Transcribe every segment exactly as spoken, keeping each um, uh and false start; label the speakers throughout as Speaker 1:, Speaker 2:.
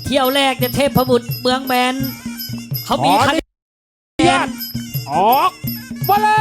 Speaker 1: เที่ยวแรกเนี่ยเทพบุตรเมืองแมนเขามีคะแนน
Speaker 2: ออกมาเลย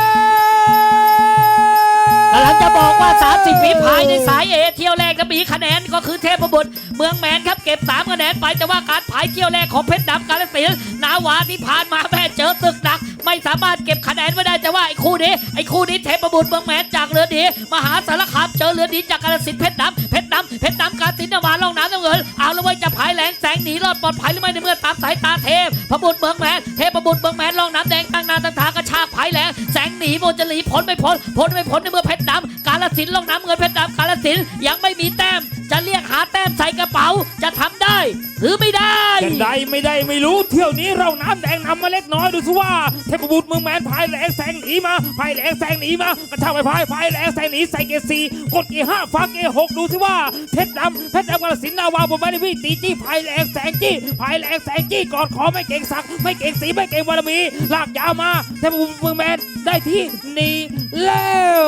Speaker 1: กำลังจะบอกว่าสามสิบฝีพายในสายเอเที่ยวแรกก็มีคะแนนก็คือเทพบุตรเมืองแมนครับเก็บสามคะแนนไปแต่ว่าการพายเที่ยวแรกของเพชรดำกาฬสินธุ์นาวาที่ผ่านมาแม่เจอศึกหนักไม่สามารถเก็บคะแนนไว้ได้แต่ว่าไอ้คู่นี้ไอ้คู่นี้เทพบุตรเมืองแมนจากเรือดีมหาสารคามเจอเรือดีจากกาฬสินธุ์เพชรดำเพชรดำเพชรดำกาฬสินธุ์นาวาล่องน้ำน้ำเงินเอาละไว้จะพายแหลงแสงหนีรอดปลอดภัยหรือไม่ในเมื่อตามสายตาเทพพบุตรเมืองแมนเทพบุตรเมืองแมนล่องน้ำแดงตั้งนาตั้งทางกระชากพายแหลงแสงหนีโมจะหลีพ้นไม่พ้นพ้นไม่พ้นในเมื่อเพชรดำกาฬสินธุ์ล่องน้ำเงินเพชรดำกาฬสินธุ์ยังไม่มีแต้มจะเรียกหาแต้มใส่กระเป๋าจะทำได้หรือไม่ได้
Speaker 2: จะได้ไม่ได้ไม่รู้เที่ยวนี้เราน้ำแดงนำมาเล็กน้อยดูสิว่าเทพบุตรเมืองแมนพายแหลงแสงหนีมาพายแหลงแสงหนีมากระชากไปพายพายแหลงแสงหนีใส่เกียร์สี่กดเกียร์ห้าฟ้าเกียร์หกดูสิว่าเพชรดำเพชรดำกาฬสินธุ์นาวาบนไม้ที่พี่ตีจี้พายแหลงแสงจี้พายแหลงแสงจี้กอดคอไม่เก่งสักไม่เก่งสีไม่เก่งบารมีลากยาวมาเทพบุตรเมืองแมนได้ที่นี่แล้ว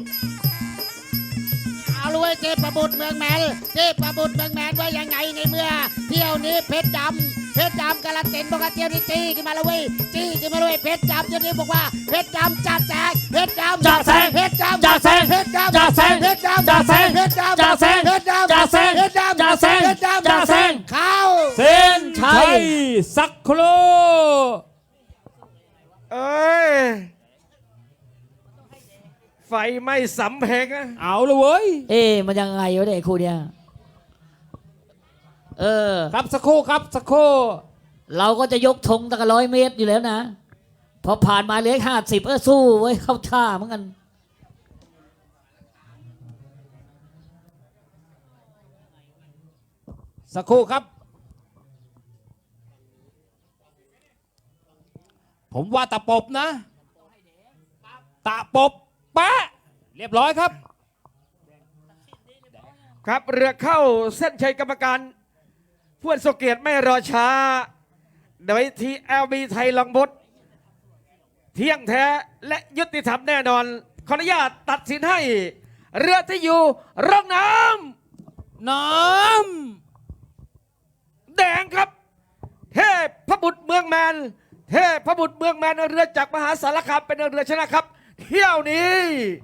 Speaker 3: เอาลุยเทพบุตรเมืองแมนเทพบุตรเมืองแมนว่ายังไงในเมื่อเที่ยวนี้เพชรดำเพชรดำกาฬสินธุ์บอกว่าเที่ยวนี้จี้ขึ้นมาเลยจี้ขึ้นมาเลยเพชรดำเที่ยวนี้บอกว่าเพชรดำจัดแจกเพชรดำ
Speaker 1: จัดแซง
Speaker 3: เพชรดำ
Speaker 1: จัดแซง
Speaker 3: เพชรดำ
Speaker 1: จัดแซง
Speaker 3: เพชรดำ
Speaker 1: จัดแซง
Speaker 3: เพชรดำ
Speaker 1: จัดแซง
Speaker 3: เพชรดำ
Speaker 1: จัดแซง
Speaker 3: เพชรดำ
Speaker 1: จัดแซง
Speaker 3: เพชรดำ
Speaker 1: จัดแซง
Speaker 3: เข้า
Speaker 1: เส้นชัย
Speaker 2: สักครู่
Speaker 4: เอ้ยไฟไหม้สำเพ็งอะ
Speaker 2: เอาเลยเว้ย
Speaker 1: เอ๊ะมันยังไงวะเนี่ยคู่เนี้ยเออ
Speaker 2: ครับสักครู่ครับสักครู่
Speaker 1: เราก็จะยกธงตั้งร้อยเมตรอยู่แล้วนะพอผ่านมาเหลือห้าสิบเออสู้ไว้เข้าท่าเหมือนกัน
Speaker 2: สักครู่ครับผมว่าตะปบนะตะปบปะเรียบร้อยครับ
Speaker 4: ครับเรือเข้าเส้นชัยกรรมการผู้ทรงเกียรติไม่รอช้าโดยทีเอลบีไทยลองบดเที่ยงแท้และยุติธรรมแน่นอนขออนุญาตตัดสินให้เรือที่อยู่ร่องน้
Speaker 2: ำน้
Speaker 4: ำแดงครับเทพพบุตรเมืองแมนเทพพบุตรเมืองแมนเรือจากมหาสารคามเป็นเรือชนะครับเที่ยวนี้